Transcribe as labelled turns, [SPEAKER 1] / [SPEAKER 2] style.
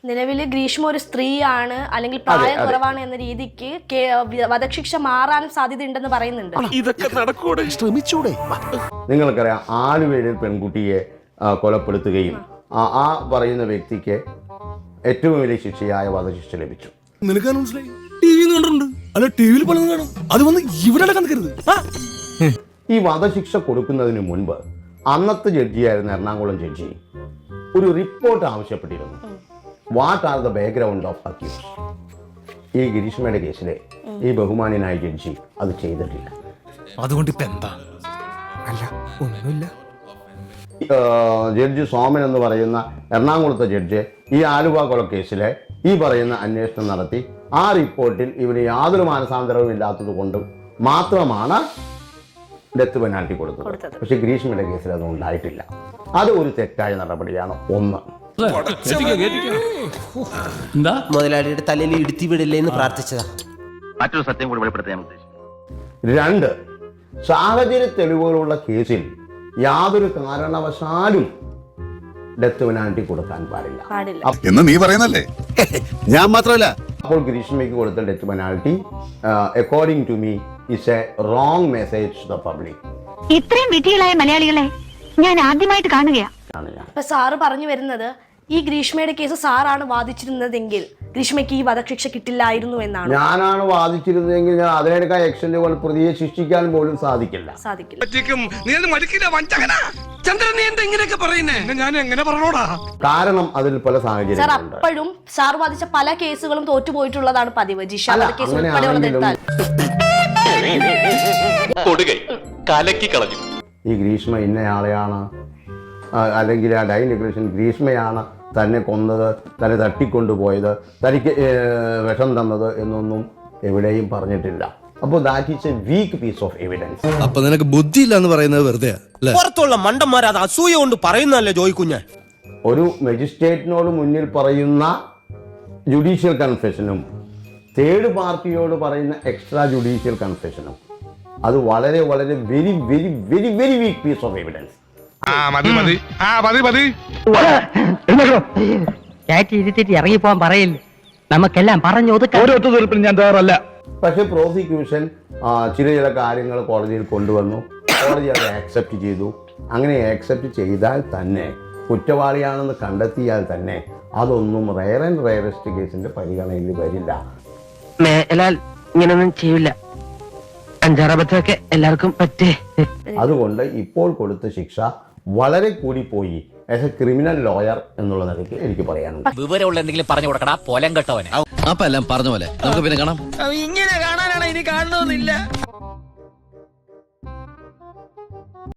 [SPEAKER 1] നിലവിൽ ഗ്രീഷ്മ ഒരു സ്ത്രീയാണ് അല്ലെങ്കിൽ പ്രായം കുറവാണ് എന്ന രീതിക്ക് വധശിക്ഷ മാറാനും സാധ്യതയുണ്ടെന്ന് പറയുന്നുണ്ട്.
[SPEAKER 2] ഇതൊക്കെ നടക്കൂടെ? ശ്രമിച്ചൂടെ?
[SPEAKER 3] നിങ്ങൾക്കറിയാം, ആലുവയിൽ പെൺകുട്ടിയെ കൊലപ്പെടുത്തുകയും ആ പറയുന്ന വ്യക്തിക്ക് ഏറ്റവും വലിയ ശിക്ഷയായ വധശിക്ഷ ലഭിച്ചു.
[SPEAKER 2] നിനക്ക് മനസ്സിലായി? ടിവി കണ്ടിട്ടുണ്ട്, അല്ല ടിവിയിൽ പലതും കാണും. അത് വന്ന് ഇവിടെ കണ്ടരുത്.
[SPEAKER 3] ഈ വധശിക്ഷ കൊടുക്കുന്നതിന് മുൻപ് അന്നത്തെ ജഡ്ജിയായിരുന്ന എറണാകുളം ജഡ്ജി ഒരു റിപ്പോർട്ട് ആവശ്യപ്പെട്ടിരുന്നു. What are the background of accuse? ഈ ഗിരീഷ്മയുടെ കേസിലെ ഈ ബഹുമാന്യനായ ജഡ്ജി അത് ചെയ്തിട്ടില്ല.
[SPEAKER 2] അതുകൊണ്ട് ഇപ്പൊ എന്താ? അല്ല ഒന്നുമില്ല.
[SPEAKER 3] ജഡ്ജി സോമൻ എന്ന് പറയുന്ന എറണാകുളത്തെ ജഡ്ജി ഈ ആലുവ കൊലക്കേസിലെ ഈ പറയുന്ന അന്വേഷണം നടത്തി ആ റിപ്പോർട്ടിൽ ഇവന് യാതൊരു മാനസാന്തരവും ഇല്ലാത്തത് കൊണ്ട് മാത്രമാണ് ഡെത്ത് പെനാൽറ്റി കൊടുത്തത്. പക്ഷെ ഗ്രീഷ്മയുടെ കേസിൽ അത് ഉണ്ടായിട്ടില്ല. അത് ഒരു തെറ്റായ നടപടിയാണ്. ഒന്ന്,
[SPEAKER 4] മുതലാളിയുടെ തലയിൽ ഇടുത്തി വിടില്ലേ എന്ന് പ്രാർത്ഥിച്ചതാ.
[SPEAKER 5] മറ്റൊരു സത്യം കൂടി വെളിപ്പെടുത്താൻ ഉദ്ദേശിച്ചു.
[SPEAKER 3] രണ്ട്, സാഹചര്യ തെളിവുകളുള്ള കേസിൽ യാതൊരു കാരണവശാലും ഡെത്ത് പെനാൽറ്റി കൊടുക്കാൻ പാടില്ല
[SPEAKER 6] എന്ന് നീ പറയുന്നല്ലേ? ഞാൻ മാത്രമല്ല.
[SPEAKER 3] അപ്പോൾ ഗ്രീഷ്മയ്ക്ക് കൊടുത്ത death penalty according to me is a wrong message to the public.
[SPEAKER 7] ഇത്രയും വിധികളായ മലയാളികളെ ഞാൻ ആദ്യമായിട്ട് കാണുകയാണ്.
[SPEAKER 1] ഇപ്പൊ സാറ് പറഞ്ഞു വരുന്നത് ഈ ഗ്രീഷ്മയുടെ കേസ് സാറാണ് വാദിച്ചിരുന്നതെങ്കിൽ ഗ്രീഷ്മയ്ക്ക് ഈ വധശിക്ഷ കിട്ടില്ലായിരുന്നു എന്നാണ്.
[SPEAKER 3] ഞാനാണ് വാദിച്ചിരുന്നതെങ്കിൽ ഞാൻ അതിനേക്കാൾ എക്സ്റ്റൻഡ് പ്രതിയെ ശിക്ഷിക്കാൻ പോലും സാധിക്കില്ല. കാരണം അതിൽ പല
[SPEAKER 1] സാർ അപ്പോഴും സാർ വാദിച്ച പല കേസുകളും തോറ്റുപോയിട്ടുള്ളതാണ് പതിവ്. ജിഷ കേസ് ഉൾപ്പെടെയുള്ളതെടുത്താൽ
[SPEAKER 3] ഈ ഗ്രീഷ്മ ഇന്നയാളെയാണ്, അല്ലെങ്കിൽ ആ ഡൈ ഡിക്ലറേഷൻ ഗ്രീഷ്മയാണ് തന്നെ കൊന്നത്, തന്നെ തട്ടിക്കൊണ്ടുപോയത്, തനിക്ക് വിഷം തന്നത് എന്നൊന്നും എവിടെയും പറഞ്ഞിട്ടില്ല. അപ്പോൾ that is a weak piece of evidence.
[SPEAKER 8] അപ്പൊ നിനക്ക് ബുദ്ധിയില്ല എന്ന് പറയുന്നത് വെറുതെ
[SPEAKER 4] പുറത്തുള്ള മണ്ടന്മാർ അത് അസൂയ കൊണ്ട് പറയുന്നല്ലേ ജോയിക്കുഞ്ഞ്.
[SPEAKER 3] ഒരു മജിസ്ട്രേറ്റിനോട് മുന്നിൽ പറയുന്ന ജുഡീഷ്യൽ കൺഫെഷനും തേർഡ് പാർട്ടിയോട് പറയുന്ന എക്സ്ട്രാ ജുഡീഷ്യൽ കൺഫെഷനും അത് വളരെ വളരെ very very very very weak piece of evidence.
[SPEAKER 9] ഇറങ്ങിപ്പോവാൻ പറയില്ല, നമുക്കെല്ലാം പറഞ്ഞു ഒതുക്കാൻ ഞാൻ തയ്യാറല്ല.
[SPEAKER 3] പക്ഷെ പ്രോസിക്യൂഷൻ ചില കാര്യങ്ങൾ കോടതിയിൽ കൊണ്ടുവന്നു, കോടതി അത് ആക്സെപ്റ്റ് ചെയ്തു. അങ്ങനെ ആക്സെപ്റ്റ് ചെയ്താൽ തന്നെ, കുറ്റവാളിയാണെന്ന് കണ്ടെത്തിയാൽ തന്നെ അതൊന്നും റെയർ ആൻഡ് റെയറസ്റ്റ് കേസിന്റെ പരിഗണനയിൽ വരില്ല.
[SPEAKER 9] ഇങ്ങനൊന്നും ചെയ്യില്ല, അഞ്ചാറബദ്ധമൊക്കെ എല്ലാവർക്കും പറ്റേ.
[SPEAKER 3] അതുകൊണ്ട് ഇപ്പോൾ കൊടുത്ത ശിക്ഷ വളരെ കൂടിപ്പോയി. ആസ് എ ക്രിമിനൽ ലോയർ എന്നുള്ള നിലയ്ക്ക് എനിക്ക് പറയാനുണ്ട്.
[SPEAKER 10] വിവരമുള്ള എന്തെങ്കിലും പറഞ്ഞു കൊടുക്കടാ, പോലം കെട്ടവനെ.
[SPEAKER 8] അപ്പൊ എല്ലാം പറഞ്ഞ പോലെ നമുക്ക് പിന്നെ കാണാം.
[SPEAKER 4] ഇങ്ങനെ കാണാനാണ് ഇനി കാണണമെന്നില്ല.